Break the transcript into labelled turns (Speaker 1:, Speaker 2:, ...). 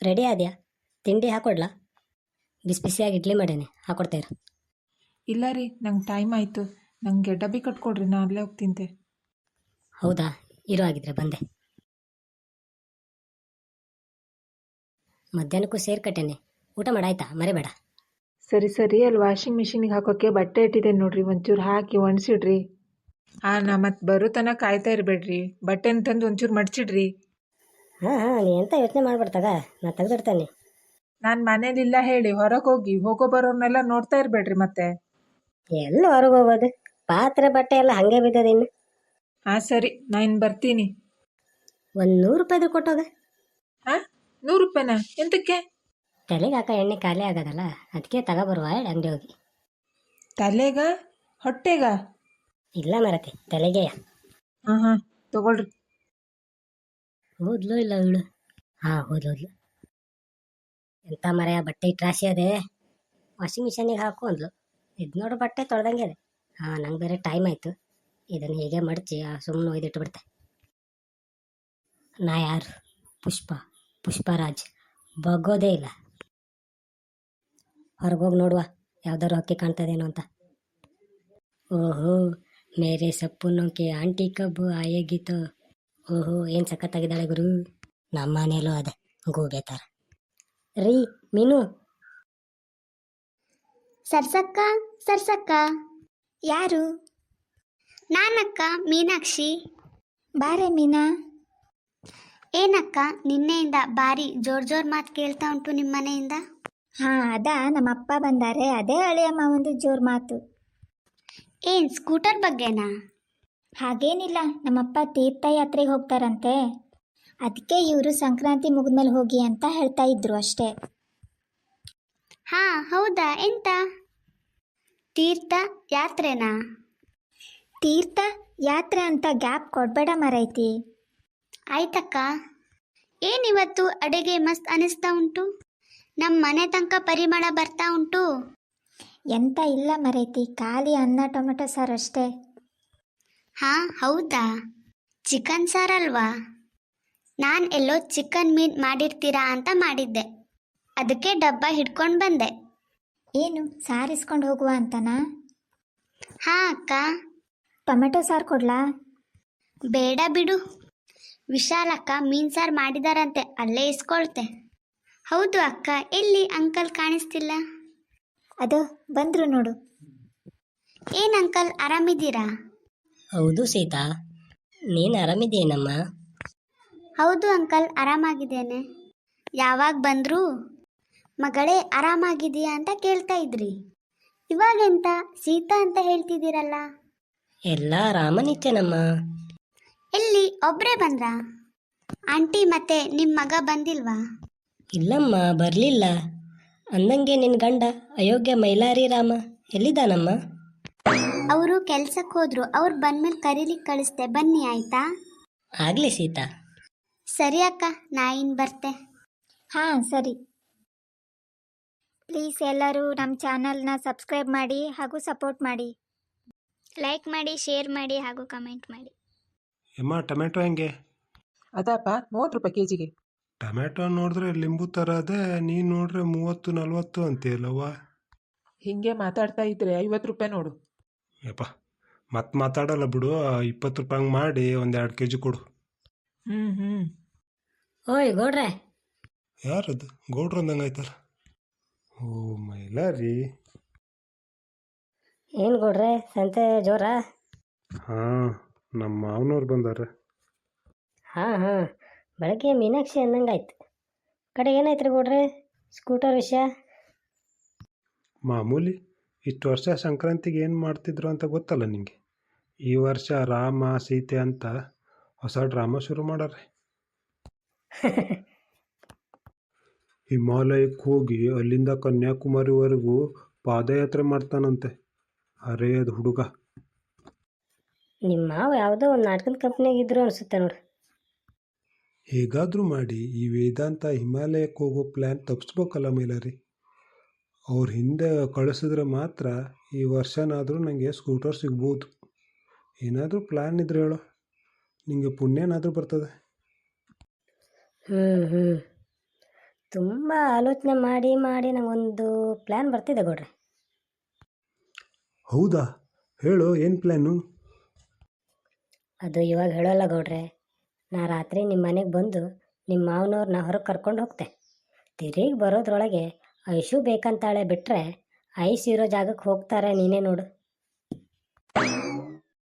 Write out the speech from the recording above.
Speaker 1: Ready ಆದ್ಯಾ? ತಿಂಡಿ ಹಾಕೊಡ್ಲಾ? ಬಿಸಿ ಬಿಸಿಯಾಗಿ ಇಡ್ಲಿ ಮಾಡೇನೆ, ಹಾಕೊಡ್ತೇವ್ರಿ.
Speaker 2: ಇಲ್ಲ ರೀ, ನಂಗೆ ಟೈಮ್ ಆಯಿತು. ನನಗೆ ಡಬ್ಬಿ ಕಟ್ಕೊಡ್ರಿ, ನಾನು ಅಲ್ಲೇ ಹೋಗಿ ತಿಂತೆ.
Speaker 1: ಹೌದಾ, ಇರೋ ಆಗಿದ್ರೆ ಬಂದೆ. ಮಧ್ಯಾಹ್ನಕ್ಕೂ ಸೇರ್ಕಟ್ಟೇನೆ, ಊಟ ಮಾಡಾಯ್ತಾ? ಮರಿಬೇಡ.
Speaker 2: ಸರಿ ಸರಿ, ಅಲ್ಲಿ ವಾಷಿಂಗ್ ಮಿಷಿನಿಗೆ ಹಾಕೋಕ್ಕೆ ಬಟ್ಟೆ ಇಟ್ಟಿದ್ದೇನೆ ನೋಡ್ರಿ, ಒಂಚೂರು ಹಾಕಿ ಒಣಸಿಡ್ರಿ. ನಾ ಮತ್ತೆ ಬರೋ ತನಕ ಕಾಯ್ತಾ ಇರಬೇಡ್ರಿ, ಬಟ್ಟೆನ ತಂದು ಒಂಚೂರು ಮಡ್ಚಿಡ್ರಿ.
Speaker 1: ಹಾಂ, ನೀ ಎಂತ ಯೋಚನೆ ಮಾಡ್ಬಿಡ್ತಾಗ, ನಾ ತೆಗೆದಿಡ್ತೇನೆ.
Speaker 2: ನಾನು ಮನೇಲಿಲ್ಲ ಹೇಳಿ ಹೊರಗೆ ಹೋಗಿ ಹೋಗೋ ಬರೋರ್ನೆಲ್ಲ ನೋಡ್ತಾ ಇರಬೇಡ್ರಿ ಮತ್ತೆ.
Speaker 1: ಎಲ್ಲ ಹೊರಗೆ ಹೋಗೋದು, ಪಾತ್ರೆ ಬಟ್ಟೆ ಎಲ್ಲ ಹಂಗೆ ಬಿದ್ದದ ಇನ್ನು.
Speaker 2: ಸರಿ, ನಾನು ಇನ್ನು ಬರ್ತೀನಿ.
Speaker 1: ಒಂದು 100 ರೂಪಾಯಿದು ಕೊಟ್ಟೋಗ.
Speaker 2: 100 ರೂಪಾಯಿನಾ? ಎಂತಕ್ಕೆ?
Speaker 1: ತಲೆಗೆ ಹಾಕ ಎಣ್ಣೆ ಖಾಲಿ ಆಗೋದಲ್ಲ, ಅದಕ್ಕೆ ತಗೊಬರುವ ಅಂಗಡಿ ಹೋಗಿ.
Speaker 2: ತಲೆಗ ಹೊಟ್ಟೆಗ?
Speaker 1: ಇಲ್ಲ ಮರತಿ, ತಲೆಗೆಯ.
Speaker 2: ಹಾಂ ತಗೊಳ್ರಿ.
Speaker 1: ಹೋದ್ಲು ಇಲ್ಲ ಇವಳು? ಹೋದ್ಲು. ಎಂತ ಮರೆಯ ಬಟ್ಟೆ ಇಟ್ಟು ರಾಶಿ ಅದೇ, ವಾಷಿಂಗ್ ಮಿಷಿನಿಗೆ ಹಾಕು ಅಂದ್ಲು. ಇದು ನೋಡು ಬಟ್ಟೆ ತೊಳ್ದಂಗೆ ಅದೇ. ನಂಗೆ ಬೇರೆ ಟೈಮ್ ಆಯಿತು, ಇದನ್ನು ಹೀಗೆ ಮಡಚಿ ಸುಮ್ಮನೆ ಒಯ್ದಿಟ್ಟು ಬಿಡ್ತೆ. ನಾ ಯಾರು? ಪುಷ್ಪರಾಜ್ ಬಗ್ಗೋದೇ ಇಲ್ಲ. ಹೊರಗೋಗಿ ನೋಡುವ, ಯಾವ್ದಾದ್ರು ಹಕ್ಕಿ ಕಾಣ್ತದೇನೋ ಅಂತ. ಓಹೋ, ಮೇರೆ ಸಪ್ಪುನೋಕೆ ಆಂಟಿ ಕಬ್ಬು ಆಯೇಗಿತ್ತು. ಓಹೋ, ಏನು ಸಖತ್ತಾಗಿದ್ದಾಳೆ ಗುರು. ನಮ್ಮ ಮನೇಲೂ ಅದೇ ಗೂಬೆ ಥರ. ರೀ ಮೀನು.
Speaker 3: ಸರ್ಸಕ್ಕ. ಯಾರು? ನಾನಕ್ಕ, ಮೀನಾಕ್ಷಿ. ಬಾರೆ ಮೀನಾ. ಏನಕ್ಕ, ನಿನ್ನೆಯಿಂದ ಭಾರಿ ಜೋರ್ ಮಾತು ಕೇಳ್ತಾ ಉಂಟು ನಿಮ್ಮ ಮನೆಯಿಂದ.
Speaker 4: ಅದಾ ನಮ್ಮಪ್ಪ ಬಂದಾರೆ, ಅದೇ ಅಳಿಯಮ್ಮ ಒಂದು ಜೋರು ಮಾತು.
Speaker 3: ಏನ್ ಸ್ಕೂಟರ್ ಬಗ್ಗೆನಾ?
Speaker 4: ಹಾಗೇನಿಲ್ಲ, ನಮ್ಮಪ್ಪ ತೀರ್ಥಯಾತ್ರೆಗೆ ಹೋಗ್ತಾರಂತೆ, ಅದಕ್ಕೆ ಇವರು ಸಂಕ್ರಾಂತಿ ಮುಗಿದ್ಮೇಲೆ ಹೋಗಿ ಅಂತ ಹೇಳ್ತಾ ಇದ್ರು ಅಷ್ಟೇ.
Speaker 3: ಹೌದಾ? ಎಂತ ತೀರ್ಥ ಯಾತ್ರೆನಾ?
Speaker 4: ತೀರ್ಥ ಯಾತ್ರೆ ಅಂತ ಗ್ಯಾಪ್ ಕೊಡಬೇಡ ಮರೈತಿ.
Speaker 3: ಆಯ್ತಕ್ಕ. ಏನಿವತ್ತು ಅಡುಗೆ ಮಸ್ತ್ ಅನಿಸ್ತಾ ಉಂಟು, ನಮ್ಮ ಮನೆ ತನಕ ಪರಿಮಳ ಬರ್ತಾ ಉಂಟು.
Speaker 4: ಎಂತ ಇಲ್ಲ ಮರೈತಿ, ಖಾಲಿ ಅನ್ನ ಟೊಮೆಟೊ ಸಾರು ಅಷ್ಟೇ.
Speaker 3: ಹೌದಾ? ಚಿಕನ್ ಸಾರಲ್ವಾ? ನಾನು ಎಲ್ಲೋ ಚಿಕನ್ ಮೀನ್ ಮಾಡಿರ್ತೀರಾ ಅಂತ ಮಾಡಿದ್ದೆ, ಅದಕ್ಕೆ ಡಬ್ಬ ಹಿಡ್ಕೊಂಡು ಬಂದೆ.
Speaker 4: ಏನು ಸಾರಿಸ್ಕೊಂಡು ಹೋಗುವ ಅಂತನಾ?
Speaker 3: ಅಕ್ಕ.
Speaker 4: ಟೊಮೆಟೊ ಸಾರು ಕೊಡ್ಲಾ?
Speaker 3: ಬೇಡ ಬಿಡು, ವಿಶಾಲಕ್ಕ ಮೀನ್ ಸಾರು ಮಾಡಿದಾರಂತೆ, ಅಲ್ಲೇ ಇಸ್ಕೊಳ್ತೆ. ಹೌದು ಅಕ್ಕ, ಎಲ್ಲಿ ಅಂಕಲ್ ಕಾಣಿಸ್ತಿಲ್ಲ?
Speaker 4: ಅದು ಬಂದ್ರು ನೋಡು.
Speaker 3: ಏನ್ ಅಂಕಲ್, ಆರಾಮಿದ್ದೀರಾ?
Speaker 1: ಹೌದು ಸೀತಾ, ನೀನು ಆರಾಮಿದ್ದೀನಮ್ಮ?
Speaker 3: ಹೌದು ಅಂಕಲ್, ಆರಾಮಾಗಿದ್ದೇನೆ. ಯಾವಾಗ ಬಂದ್ರು? ಮಗಳೇ ಆರಾಮಾಗಿದೆಯಾ ಅಂತ ಕೇಳ್ತಾ ಇದ್ರಿ, ಇವಾಗೆಂತ ಸೀತಾ ಅಂತ ಹೇಳ್ತಿದ್ದೀರಲ್ಲ?
Speaker 1: ಎಲ್ಲ ರಾಮನಿತ್ಯನಮ್ಮ.
Speaker 3: ಎಲ್ಲಿ ಒಬ್ಬರೇ ಬಂದ್ರಾ? ಆಂಟಿ ಮತ್ತೆ ನಿಮ್ಮ ಮಗ ಬಂದಿಲ್ವಾ?
Speaker 1: ಇಲ್ಲಮ್ಮ, ಬರಲಿಲ್ಲ. ಅಂದಂಗೆ ನಿನ್ನ ಗಂಡ ಅಯೋಗ್ಯ ಮೈಲಾರಿ ರಾಮ ಎಲ್ಲಿದ್ದಾನಮ್ಮ?
Speaker 3: ಅವರು ಕೆಲ್ಸಕ್ಕೆ ಹೋದ್ರು, ಅವ್ರು ಬಂದ್ಮೇಲೆ ಕರೀಲಿಕ್ಕೆ ಕಳಿಸ್ತೆ, ಬನ್ನಿ ಆಯ್ತಾ?
Speaker 1: ಆಗಲಿ ಸೀತಾ.
Speaker 3: ಸರಿ ಅಕ್ಕ, ನಾ ಇನ್ನು ಬರ್ತೆ.
Speaker 4: ಸರಿ. ಪ್ಲೀಸ್ ಎಲ್ಲರೂ ನಮ್ಮ ಚಾನಲ್ನ ಸಬ್ಸ್ಕ್ರೈಬ್ ಮಾಡಿ ಹಾಗೂ ಸಪೋರ್ಟ್ ಮಾಡಿ.
Speaker 3: ಲೈಕ್ ಮಾಡಿ, ಶೇರ್ ಮಾಡಿ ಹಾಗೂ ಕಮೆಂಟ್ ಮಾಡಿ.
Speaker 5: ಅಮ್ಮ, ಟೊಮೆಟೊ ಹೆಂಗೆ?
Speaker 2: ಅದಪ್ಪ 30 ರೂಪಾಯಿ ಕೆಜಿಗೆ.
Speaker 5: ಟೊಮೆಟೊ ನೋಡಿದ್ರೆ ಲಿಂಬು ಥರ ಅದೇ, ನೀನು ನೋಡ್ರೆ 30-40 ಅಂತೀಯಲ್ಲವ್ವ.
Speaker 2: ಹಿಂಗೆ ಮಾತಾಡ್ತಾ ಇದ್ರೆ 50 ರೂಪಾಯಿ ನೋಡು.
Speaker 5: ಯಪ್ಪ, ಮತ್ತೆ ಮಾತಾಡಲ್ಲ ಬಿಡು. 20 ರೂಪಾಯಿ ಹಂಗೆ ಮಾಡಿ 1-2 ಕೆಜಿ ಕೊಡು.
Speaker 1: ಓಯ್ ಗೌಡ್ರೆ.
Speaker 5: ಯಾರದು? ಗೌಡ್ರು ಅಂದಂಗೆ ಆಯ್ತಲ್ಲ. ಓ ಮೈಲಾರಿ.
Speaker 1: ಏನು ಗೌಡ್ರೆ, ಸಂತೆ ಜೋರ?
Speaker 5: ನಮ್ಮ ಮಾವನವ್ರು ಬಂದಾರೆ.
Speaker 1: ಬೆಳಗ್ಗೆ ಮೀನಾಕ್ಷಿ ಅಂದಂಗಾಯ್ತು. ಕಡೆ ಏನಾಯ್ತು ರೀ ಗೌಡ್ರೆ, ಸ್ಕೂಟರ್ ವಿಷಯ?
Speaker 5: ಮಾಮೂಲಿ. ಇಷ್ಟು ವರ್ಷ ಸಂಕ್ರಾಂತಿಗೆ ಏನು ಮಾಡ್ತಿದ್ರು ಅಂತ ಗೊತ್ತಲ್ಲ ನಿಂಗೆ. ಈ ವರ್ಷ ರಾಮ ಸೀತೆ ಅಂತ ಹೊಸ ಡ್ರಾಮಾ ಶುರು ಮಾಡಾರೆ. ಹಿಮಾಲಯಕ್ಕೆ ಹೋಗಿ ಅಲ್ಲಿಂದ ಕನ್ಯಾಕುಮಾರಿವರೆಗೂ ಪಾದಯಾತ್ರೆ ಮಾಡ್ತಾನಂತೆ. ಅರೇ ಅದು ಹುಡುಗ.
Speaker 1: ನಿಮ್ಮ ಮಾವ ಯಾವುದೋ ಒಂದು ನಾಟಕದ ಕಂಪ್ನಿಯಾಗ ಇದ್ರು ಅನಿಸುತ್ತೆ ನೋಡು.
Speaker 5: ಹೇಗಾದರೂ ಮಾಡಿ ಈ ವೇದಾಂತ ಹಿಮಾಲಯಕ್ಕೆ ಹೋಗೋ ಪ್ಲ್ಯಾನ್ ತಪ್ಪಿಸ್ಬೇಕಲ್ಲ ಮೈಲಾರಿ. ಅವ್ರ ಹಿಂದೆ ಕಳಿಸಿದ್ರೆ ಮಾತ್ರ ಈ ವರ್ಷನಾದರೂ ನನಗೆ ಸ್ಕೂಟರ್ ಸಿಗ್ಬೋದು. ಏನಾದರೂ ಪ್ಲ್ಯಾನ್ ಇದ್ರೆ ಹೇಳೋ, ನಿಮಗೆ ಪುಣ್ಯನಾದರೂ ಬರ್ತದೆ.
Speaker 1: ತುಂಬ ಆಲೋಚನೆ ಮಾಡಿ ಮಾಡಿ ನಂಗೊಂದು ಪ್ಲ್ಯಾನ್ ಬರ್ತಿದೆ ಗೌಡ್ರೆ.
Speaker 5: ಹೌದಾ, ಹೇಳು ಏನು ಪ್ಲ್ಯಾನು?
Speaker 1: ಅದು ಇವಾಗ ಹೇಳೋಲ್ಲ ಗೌಡ್ರೆ. ನಾ ರಾತ್ರಿ ನಿಮ್ಮ ಮನೆಗೆ ಬಂದು ನಿಮ್ಮ ಮಾವನವ್ರನ್ನ ಹೊರಗೆ ಕರ್ಕೊಂಡು ಹೋಗ್ತೆ. ತಿರುಗಿ ಬರೋದ್ರೊಳಗೆ ಐಶು ಬೇಕಂತಾಳೆ ಬಿಟ್ಟರೆ ಐಸ್ ಇರೋ ಜಾಗಕ್ಕೆ ಹೋಗ್ತಾರೆ, ನೀನೇ ನೋಡು.